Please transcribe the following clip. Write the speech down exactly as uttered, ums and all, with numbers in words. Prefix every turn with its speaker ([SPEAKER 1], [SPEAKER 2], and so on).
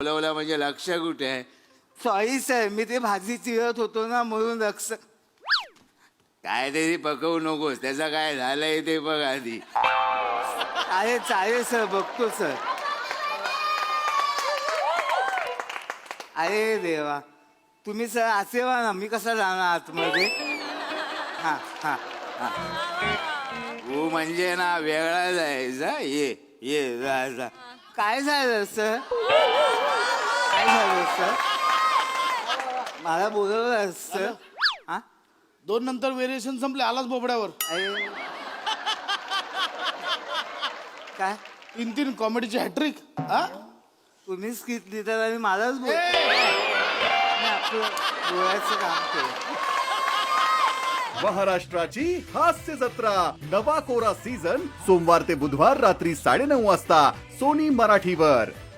[SPEAKER 1] बोलवलं म्हणजे लक्ष कुठे आहे?
[SPEAKER 2] सॉरी सर, मी ते भाजी चिरत होतो ना म्हणून लक्ष.
[SPEAKER 1] काय तरी पकवू नकोस, त्याचं काय झालंय ते बघ आधी.
[SPEAKER 2] अरे चालेल सर, बघतो सर. अरे देवा, तुम्ही सर असे व्हा ना, मी कसा जाणार आतमध्ये? हा हा हा.
[SPEAKER 1] तू म्हणजे ना वेगळा जायचा. ये ये जा जा.
[SPEAKER 2] काय झालं सर? काय झालं सर? मला बोलवलं सर. हा
[SPEAKER 3] दोन नंतर व्हेरिएशन संपले, आलाच बोबड्यावर.
[SPEAKER 2] अरे काय
[SPEAKER 3] तीन तीन कॉमेडीची हॅट्रिक. हा
[SPEAKER 2] तुम्ही स्किट लिहितात आणि मलाच बोल. मी आपलं बोलायचं काम केलं.
[SPEAKER 4] महाराष्ट्राची हास्य जत्रा नवा कोरा सीझन सोमवार ते बुधवार रात्री साडेनऊ वाजता सोनी मराठीवर.